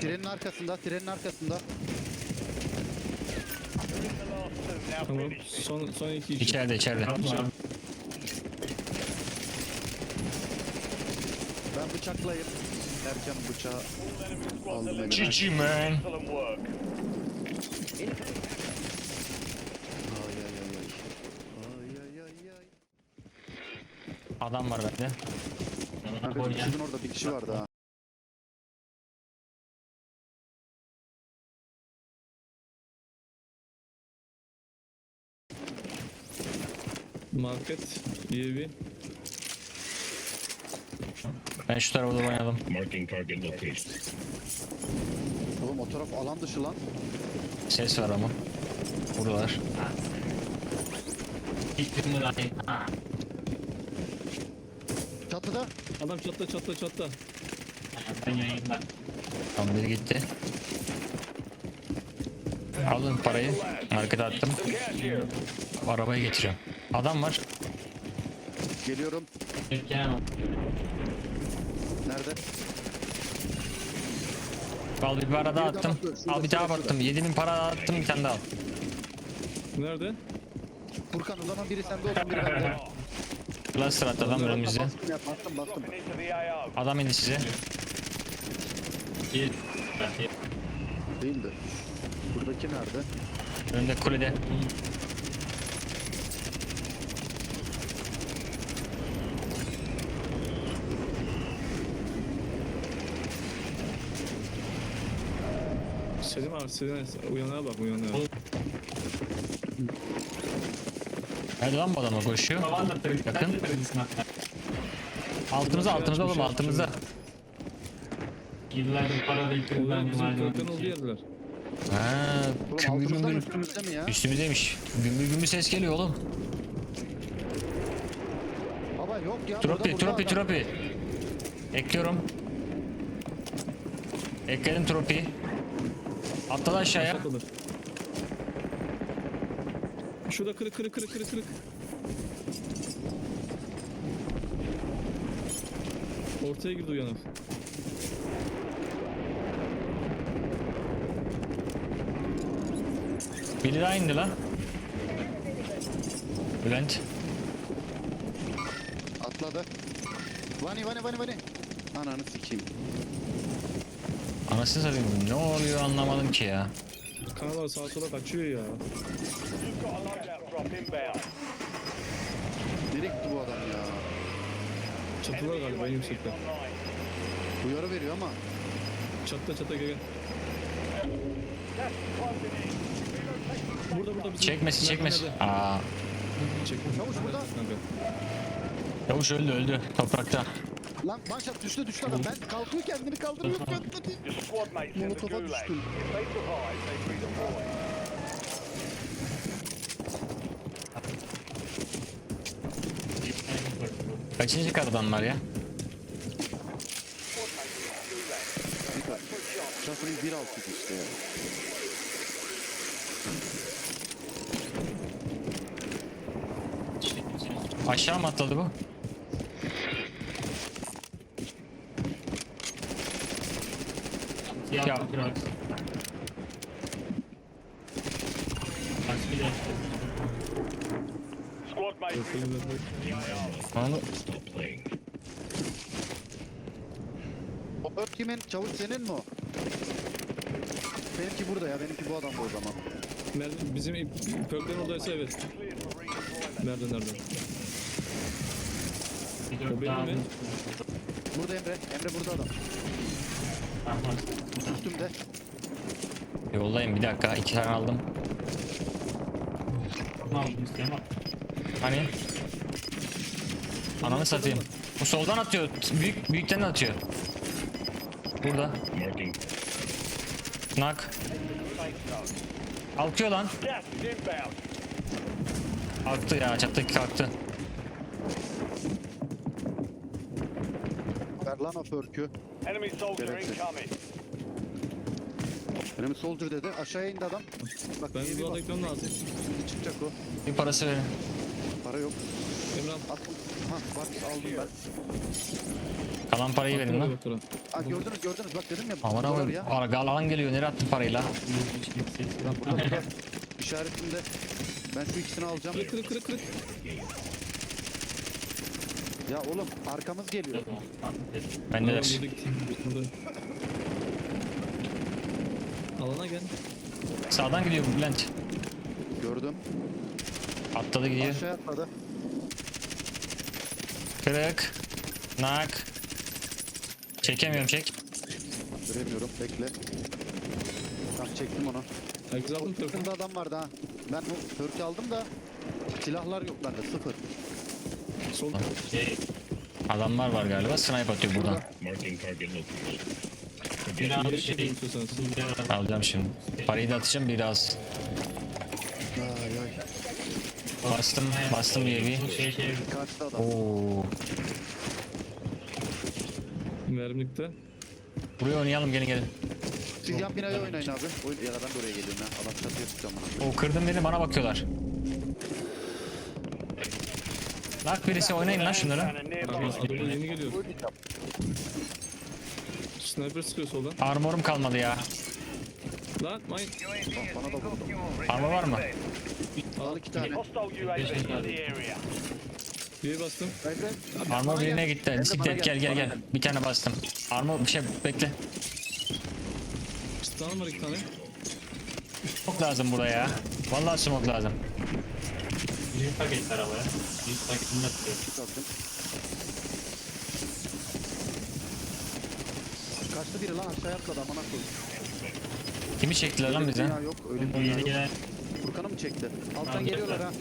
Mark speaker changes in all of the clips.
Speaker 1: Trenin arkasında, trenin arkasında.
Speaker 2: Tamam. Son iki kişi.
Speaker 3: İçeride.
Speaker 1: Ben bıçaklayayım. Erken bıçağı aldım elime.
Speaker 3: GG man.
Speaker 1: Ay ay ay ay. Ay ay ay ay.
Speaker 3: Adam var bende.
Speaker 1: Kanka sizin orada bir kişi vardı ha.
Speaker 2: Market. UAV.
Speaker 3: Ben şu tarafa doğru oynadım.
Speaker 4: Marking target location.
Speaker 1: Oğlum o taraf alan dışı lan.
Speaker 3: Ses var ama. Buradalar.
Speaker 1: Çatıda.
Speaker 2: Adam çatta.
Speaker 3: Tam biri gitti. Alın parayı. Markete attım. Arabaya getiriyorum. Adam var.
Speaker 1: Geliyorum. Nerede?
Speaker 3: Al bir para daha attım. Al bir daha attım. 7.000 para daha attım. Bir tane daha al.
Speaker 2: Nerede?
Speaker 1: Furkan o zaman biri sende olsun biri bende.
Speaker 3: Cluster attı adam önümüzde.
Speaker 1: Bastım.
Speaker 3: Adam indi size.
Speaker 1: Değildi. Buradaki nerede?
Speaker 3: Önümde kulede.
Speaker 2: Selim abi uyanığa bak uyanığa.
Speaker 3: Nerede lan bu adam koşuyor? Yakın. Altımızda oğlum altımızda.
Speaker 2: Ulan bizim kırkın olduğu yerler.
Speaker 3: Ha,
Speaker 1: Oğlum
Speaker 3: kümbür
Speaker 1: altımızda mı
Speaker 3: gümbür.
Speaker 1: üstümüzde mi ya?
Speaker 3: Üstümüzdeymiş. Gümbür ses geliyor oğlum.
Speaker 1: Baba yok ya.
Speaker 3: Tropi. Ekliyorum. Ekledim tropi. Atladı aşağıya.
Speaker 2: Atladı. Şurada kırık. Ortaya girdi uyanık.
Speaker 3: Biri daha indi lan. Bülent.
Speaker 1: Atladı. Vani. Ananı sikeyim.
Speaker 3: Anasını satayım. Ne oluyor anlamadım ki ya.
Speaker 2: Kanallar sağa sola kaçıyor ya.
Speaker 1: Nereye gitti bu adam ya?
Speaker 2: Çatılar galiba en yüksekte.
Speaker 1: Uyarı veriyor ama.
Speaker 2: Çatta gel. Burada bizim
Speaker 3: Çekmesin.
Speaker 2: merdivenlerde.
Speaker 3: Aa.
Speaker 2: Çekmiş.
Speaker 1: Çavuş burada.
Speaker 2: Kanka.
Speaker 3: Yavuş öldü. Toprakta.
Speaker 1: Lan manşet düştü adam. Ben kalkıyor kendini kaldırıyor. Molotofa düştüm.
Speaker 3: Kaçıncı karadan var ya?
Speaker 1: Şafırın 1.6 işte ya.
Speaker 3: Aşağı mı atladı bu? Ya. Onu
Speaker 1: O ört kimin? Çavuş senin mi o? Benimki burada ya. Benimki bu adamdı o zaman.
Speaker 2: Bizim Pörklerin oradaysa evet. Nerede? O benim mi?
Speaker 1: Burada Emre. Emre burada adam. Üstümde.
Speaker 3: yollayayım bir dakika. 2 tane aldım. Hani? Ananı satayım. Bu soldan atıyor. Büyükten atıyor. Burada.
Speaker 4: Marking.
Speaker 3: Nak. Kalkıyor lan. Kalktı ya. Çattaki kalktı.
Speaker 1: Ver lan o förkü.
Speaker 5: Enemy soldier
Speaker 1: Gerekli.
Speaker 5: incoming.
Speaker 1: Benim soldier dedi. Aşağıya indi adam. Bak
Speaker 2: Ben
Speaker 1: iyi bir
Speaker 2: bu
Speaker 1: bak.
Speaker 2: adayım lazım.
Speaker 1: Şimdi çıkacak o.
Speaker 3: Bir parası verin.
Speaker 1: Para yok.
Speaker 2: Emrah.
Speaker 1: Attım. Ha var aldım ben.
Speaker 3: Kalan parayı verin lan.
Speaker 2: Doktora.
Speaker 1: Ha gördünüz bak dedim ya.
Speaker 3: Aman
Speaker 1: dolar
Speaker 3: abi
Speaker 1: ya.
Speaker 3: alan geliyor. Nereye attın parayı la?
Speaker 1: Lan burada. İşaretinde. Ben şu ikisini alacağım.
Speaker 2: Kırık.
Speaker 1: Ya oğlum arkamız geliyor.
Speaker 3: Bendeler.
Speaker 2: Tamam, yedik. Burada. Alana gel.
Speaker 3: Sağdan gidiyor Bülent.
Speaker 1: Gördüm.
Speaker 3: Atladı gidiyor.
Speaker 1: Aşağıya atladı.
Speaker 3: Kırık. Nak. Çekemiyorum çek.
Speaker 1: Göremiyorum. Bekle. Tamam çektim onu.
Speaker 2: Herkes aldın telefonu.
Speaker 1: Yakında adam vardı ha. Ben bu Türk'ü aldım da silahlar yok bende sıfır.
Speaker 2: Sol.
Speaker 3: Adamlar var galiba. Snipe atıyor buradan.
Speaker 4: Marking target location.
Speaker 2: Yere çekelim istiyorsanız.
Speaker 3: Alacağım şimdi. Parayı da atacağım biraz.
Speaker 1: Ay ay.
Speaker 3: Bastım bir evi.
Speaker 1: Kaçtı adam.
Speaker 3: Oo.
Speaker 2: Mermilikte.
Speaker 3: Buraya oynayalım gelin.
Speaker 1: Siz yan binaya oynayın abi. Oyun ya da ben de oraya geliyorum ya. Adam çatıya tutacağım bana.
Speaker 3: O kırdım beni bana bakıyorlar. Lak birisi oynayın lan şunları.
Speaker 2: Araba yeni geliyor. Sniper sıkıyor soldan.
Speaker 3: Armorum kalmadı ya.
Speaker 2: Lan mayın.
Speaker 1: Bana da vurdu.
Speaker 3: Armor var mı?
Speaker 1: Al 2 tane.
Speaker 2: Bir bastım.
Speaker 1: Bekle.
Speaker 3: Armor birine gitti.
Speaker 1: Bana
Speaker 3: Bisiklet gel. Bir tane bastım. Armor bir şey bekle.
Speaker 2: Stun var 2 tane.
Speaker 3: Smoke lazım buraya. Vallahi smoke lazım.
Speaker 1: Kalktım. Kaçtı biri lan aşağıya atladı amına koyayım.
Speaker 3: Kimi çektiler lan bize?
Speaker 1: Dünya yok öyle bir dünya yok. Furkan'ı mı çekti? Alttan geliyorlar ha.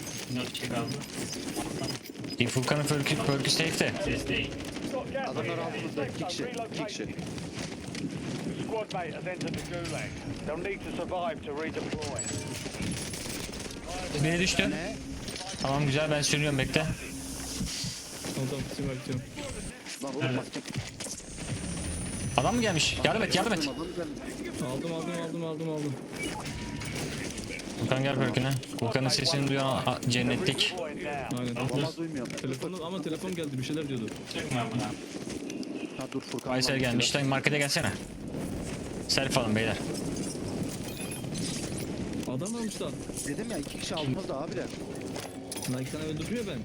Speaker 3: Furkan'ın perkü safe'te.
Speaker 1: Adamlar altımızda 2 kişi. 2 kişi.
Speaker 5: Squad mate has entered the gulag. They'll need to survive to redeploy.
Speaker 3: Biri düştü.
Speaker 1: Ne?
Speaker 3: Tamam güzel ben sürüyorum bekle.
Speaker 2: Tamam sim bekliyorum.
Speaker 1: Lan oğlum bak.
Speaker 3: Adam mı gelmiş? Yardım et.
Speaker 1: Adam geldi.
Speaker 2: Aldım.
Speaker 3: Furkan gel perküne. Furkan'ın sesini duyan cennetlik.
Speaker 5: Deploying now.
Speaker 2: Aynen.
Speaker 1: Vallahi duymuyorum.
Speaker 2: Telefon geldi bir şeyler diyordu.
Speaker 1: Ha dur Furkan.
Speaker 3: Aysel gelmiş. Lan markete gelsene. Selfie alın beyler.
Speaker 2: Adam almışlar.
Speaker 1: Dedim ya 2 kişi altımızda abiler.
Speaker 2: Lan 2 tane öldürüyor ben.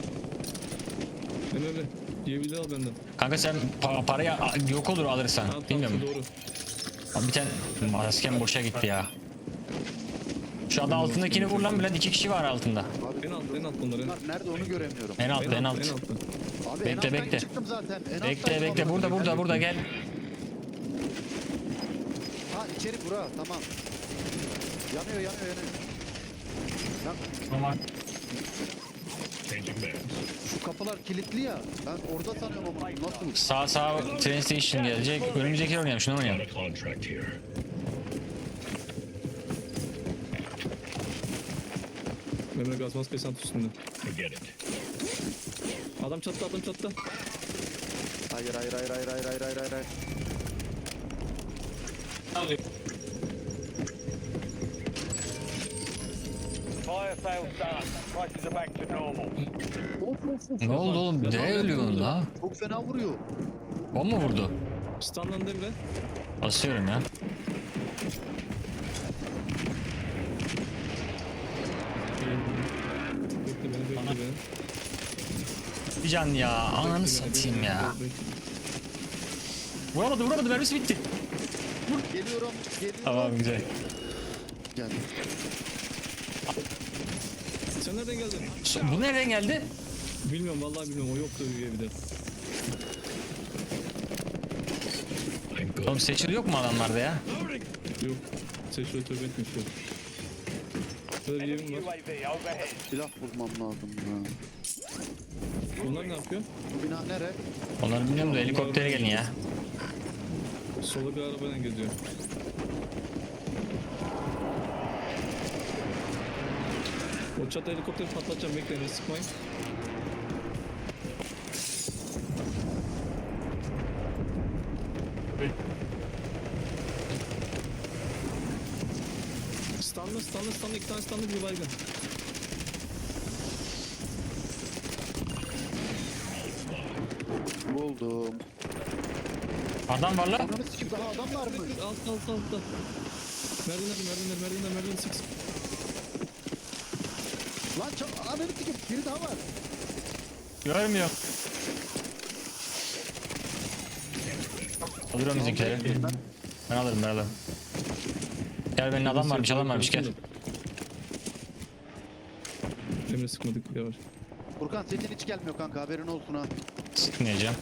Speaker 2: Emre diyebilir al benden.
Speaker 3: Kanka sen parayı yok olur alırsan.
Speaker 2: Tamam,
Speaker 3: Bilmiyorum.
Speaker 2: doğru.
Speaker 3: Abi bir tane maskem boşa gitti ya. Şu anda altındakini vur lan Bülent. 2 kişi var altında.
Speaker 1: Abi
Speaker 2: En alt bunlar.
Speaker 1: bunlar nerede onu göremiyorum.
Speaker 3: En alt.
Speaker 1: Abi en
Speaker 3: Bekle.
Speaker 1: alttan çıktım zaten. En
Speaker 3: Bekle
Speaker 1: alttaydım amına koyayım.
Speaker 3: burada gel.
Speaker 1: Ha içeri bura tamam. Yanıyor. Lan
Speaker 4: Changing maps.
Speaker 1: şu kapılar kilitli ya. Ben orada sanıyorum ama nasıl?
Speaker 3: Sağ train station gelecek. Önümüzdeki oynayalım. Şunu
Speaker 4: On
Speaker 3: oynayalım.
Speaker 4: a contract here.
Speaker 2: Emre gaz maske sant üstünde.
Speaker 4: Forget it.
Speaker 2: Adam çattı.
Speaker 1: Hayır.
Speaker 5: Fire sales done. Prices are back to normal.
Speaker 3: Ne oldu oğlum? Ne ölüyorsun la?
Speaker 1: Çok fena vuruyor.
Speaker 3: O mu vurdu?
Speaker 2: Stunlandı Emre.
Speaker 3: Basıyorum ya.
Speaker 2: Bekle beni.
Speaker 3: Bir can ya. Ananı satayım ya. Vuramadı. Mermisi bitti.
Speaker 1: Geliyorum.
Speaker 3: Tamam güzel.
Speaker 1: Geldim.
Speaker 2: Sen nereden geldin?
Speaker 3: Bu nereden geldi?
Speaker 2: Bilmiyorum vallahi bilmiyorum. O yoktu bir de.
Speaker 4: I'm good.
Speaker 3: Oğlum seçil yok mu adamlarda ya?
Speaker 2: Yok. Seçiyor tövbe etmiş yok. Böyle bir
Speaker 5: Enemy
Speaker 2: evim var.
Speaker 5: UAV overhead.
Speaker 1: Silah bulmam lazım ya.
Speaker 2: Bunlar ne yapıyor?
Speaker 1: Bu bina nere?
Speaker 3: Onları bilmiyorum da helikoptere gelin ya.
Speaker 2: Sola bir arabayla geziyor. O çatı helikopteri patlatacağım. Bekleyin sıkmayın. Stunlı 2 tane stunlı bir baygın.
Speaker 1: buldum.
Speaker 3: Adam var lan.
Speaker 1: Ananı sikeyim, daha adam var mı?
Speaker 2: Altta. Merdivenler sık.
Speaker 1: Lan ananı sikeyim, biri daha var.
Speaker 3: Görmüyor. Alıyorum bizimkileri. Ben alırım. Gel benim adam varmış gel.
Speaker 2: Emre sıkmadık yavaş.
Speaker 1: Furkan sesin hiç gelmiyor kanka, haberin olsun ha.
Speaker 3: Sıkmayacağım.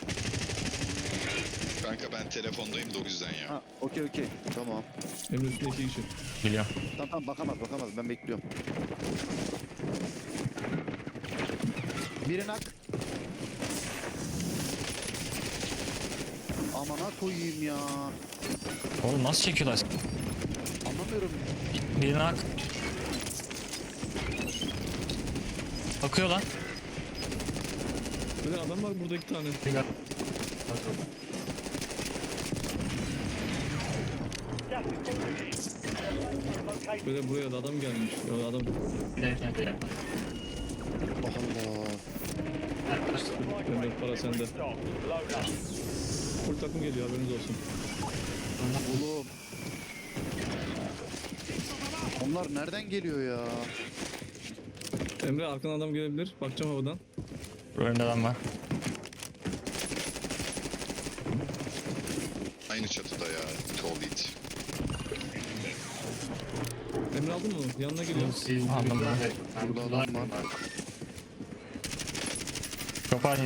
Speaker 6: Kanka ben telefondayım da o yüzden ya.
Speaker 1: Ha okey tamam.
Speaker 2: Emre üstünde 2 kişi.
Speaker 3: Biliyorum.
Speaker 1: Tamam bakamaz ben bekliyorum. Birin hak. Amana koyayım ya.
Speaker 3: Oğlum nasıl çekiyorlar?
Speaker 1: Anlamıyorum.
Speaker 3: Birine hak. Bakıyor lan.
Speaker 2: Böyle adam var burada 2 tane. Böyle buraya da adam gelmiş. Ya adam
Speaker 1: Allah.
Speaker 2: Emre para sende. Full takım geliyor haberiniz olsun.
Speaker 1: Oğlum. Onlar nereden geliyor ya?
Speaker 2: Emre arkadan adam gelebilir. Bakacağım havadan.
Speaker 3: Önümde adam var.
Speaker 6: Aynı çatıda ya. Tall it.
Speaker 2: Emre aldın mı onu? Yanına geliyor.
Speaker 3: Aldım.
Speaker 1: Burada adam var.
Speaker 3: Kopar.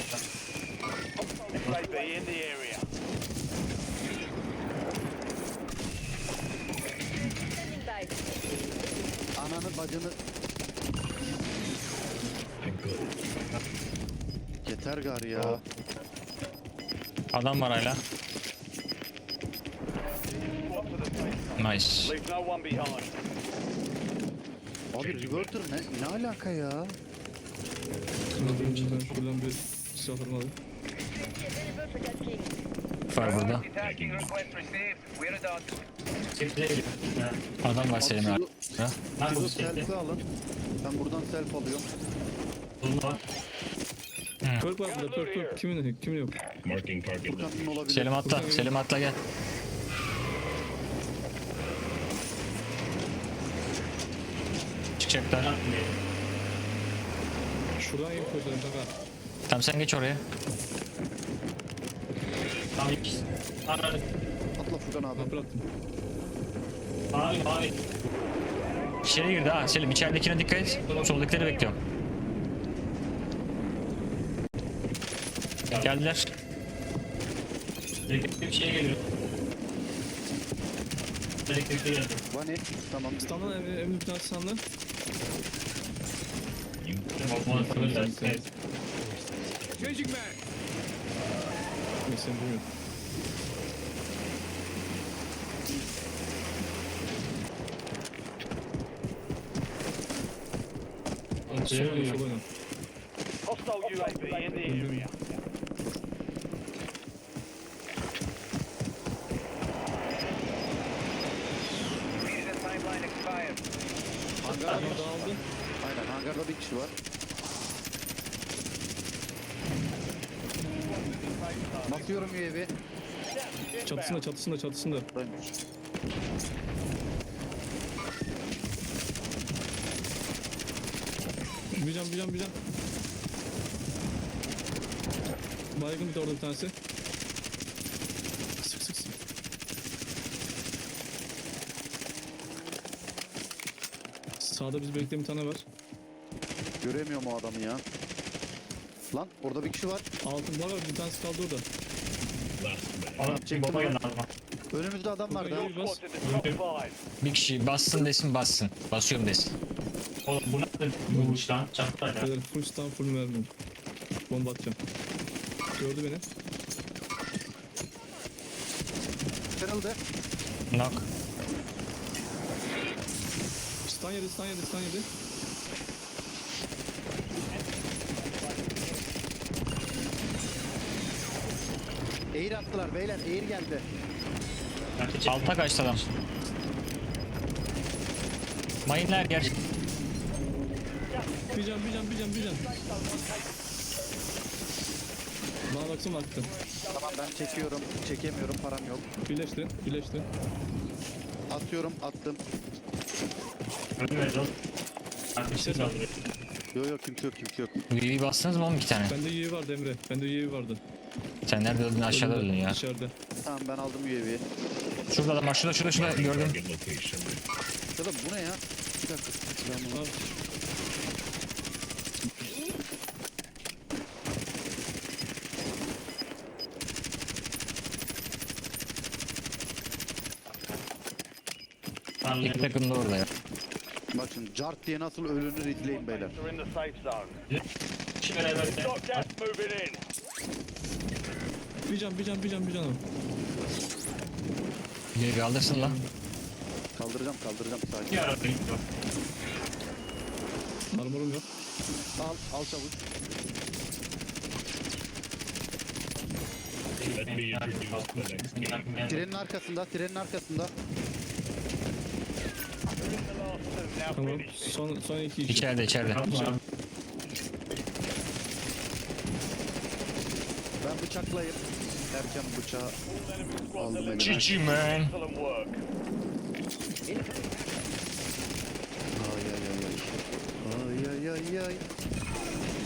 Speaker 5: UAV in the area.
Speaker 1: Ananı bacını.
Speaker 4: I'm good.
Speaker 1: Yeter gar ya.
Speaker 3: Adam var hala. Nice.
Speaker 5: Leave no one behind.
Speaker 1: Abi reverter ne alaka ya?
Speaker 2: Ben şuradan bir silahlarımı alayım.
Speaker 3: Var burada.
Speaker 5: Attacking request received. We're done.
Speaker 3: Adam var Selim abi. Ha?
Speaker 1: Şu selfie alın. Ben buradan self alıyorum.
Speaker 2: Perk var burada perk. Kimin yok?
Speaker 4: Marking target.
Speaker 1: Furkan'ın olabilir.
Speaker 3: Selim atla gel. Çıkacaklar.
Speaker 2: Şuradan iyi koyalım kanka.
Speaker 3: Tamam sen geç oraya.
Speaker 1: Atla Furkan abi.
Speaker 2: Ben bıraktım.
Speaker 3: İçeri girdi ha Selim, içeridekine dikkat et. Soldakileri bekliyorum. Geldiler.
Speaker 7: Bir şey geliyor. Elektrikli geldi.
Speaker 1: Vani. Tamam.
Speaker 2: Standan Emre bir tane standan.
Speaker 7: Evet.
Speaker 2: Neyse bilmiyorum. Sol oyna.
Speaker 5: Hostile UAV in the area. Timeline expired.
Speaker 1: Hangar.
Speaker 2: Adam dağıldı.
Speaker 1: Aynen hangarda bir kişi var. Basıyorum UAV.
Speaker 2: Çatısında.
Speaker 1: Buradaymış.
Speaker 2: Bir can. Baygın bir de orada bir tanesi. Sık. Sağda biz bekleyen bir tane var.
Speaker 1: Göremiyorum o adamı ya. Lan orada bir kişi var.
Speaker 2: Altın var bir tanesi kaldı orada.
Speaker 4: Last man.
Speaker 1: Çektim
Speaker 7: Baba
Speaker 1: onu.
Speaker 7: geldi araba.
Speaker 1: Önümüzde adam var daha.
Speaker 2: Bas.
Speaker 5: Squad to the top 5.
Speaker 3: Bir kişi bassın desin bassın. Basıyorum desin.
Speaker 7: Oğlum bu nasıl bu iş lan? Çattı ya.
Speaker 2: Beyler full stun full mermi. Bomba atacağım. Gördü beni.
Speaker 1: Kırıldı.
Speaker 3: Knock.
Speaker 2: Stun yedi.
Speaker 1: Air attılar beyler. Air geldi.
Speaker 3: Alta kaçtı adam. Mayınlar yer.
Speaker 2: Bir can. Bana baksana aktı.
Speaker 1: Tamam ben çekiyorum. Çekemiyorum, param yok.
Speaker 2: Birleşti. Birleşti.
Speaker 1: Atıyorum, attım.
Speaker 7: Ölmüyoruz oğlum. Arkadaşlar saldırıyor.
Speaker 1: Yok kimse yok, kimse yok.
Speaker 3: UAV bastınız mı oğlum 2 tane?
Speaker 2: Bende UAV vardı Emre. Bende UAV vardı.
Speaker 3: Sen nerede öldün? Aşağıda öldün ya.
Speaker 2: Dışarıda.
Speaker 1: Tamam ben aldım UAV'yi.
Speaker 3: Şurada adam var. Şurada gördüm.
Speaker 4: Target location.
Speaker 1: Ya da bu ne ya? Bir dakika. Ben bunu...
Speaker 2: Al.
Speaker 3: İki takım da orada ya.
Speaker 1: Bak şimdi cart diye nasıl ölünür izleyin beyler.
Speaker 5: Mates are in the safe zone.
Speaker 7: İki beraber de.
Speaker 5: Got gas moving in.
Speaker 2: Bir can.
Speaker 3: UAV aldırsın lan.
Speaker 1: Kaldıracağım sakin.
Speaker 7: Bir araba gitti.
Speaker 2: Armorum yok.
Speaker 1: Al çabuk.
Speaker 4: Let me introduce the next game.
Speaker 1: Trenin arkasında.
Speaker 5: The last two now
Speaker 2: Tamam.
Speaker 5: finished.
Speaker 2: Son iki işi.
Speaker 3: İçeride.
Speaker 1: Ben bıçaklayayım. Derken bıçağı
Speaker 5: All enemy squads
Speaker 1: aldım
Speaker 5: eliminated.
Speaker 1: elime.
Speaker 3: GG man.
Speaker 5: Excellent work.
Speaker 1: Ay.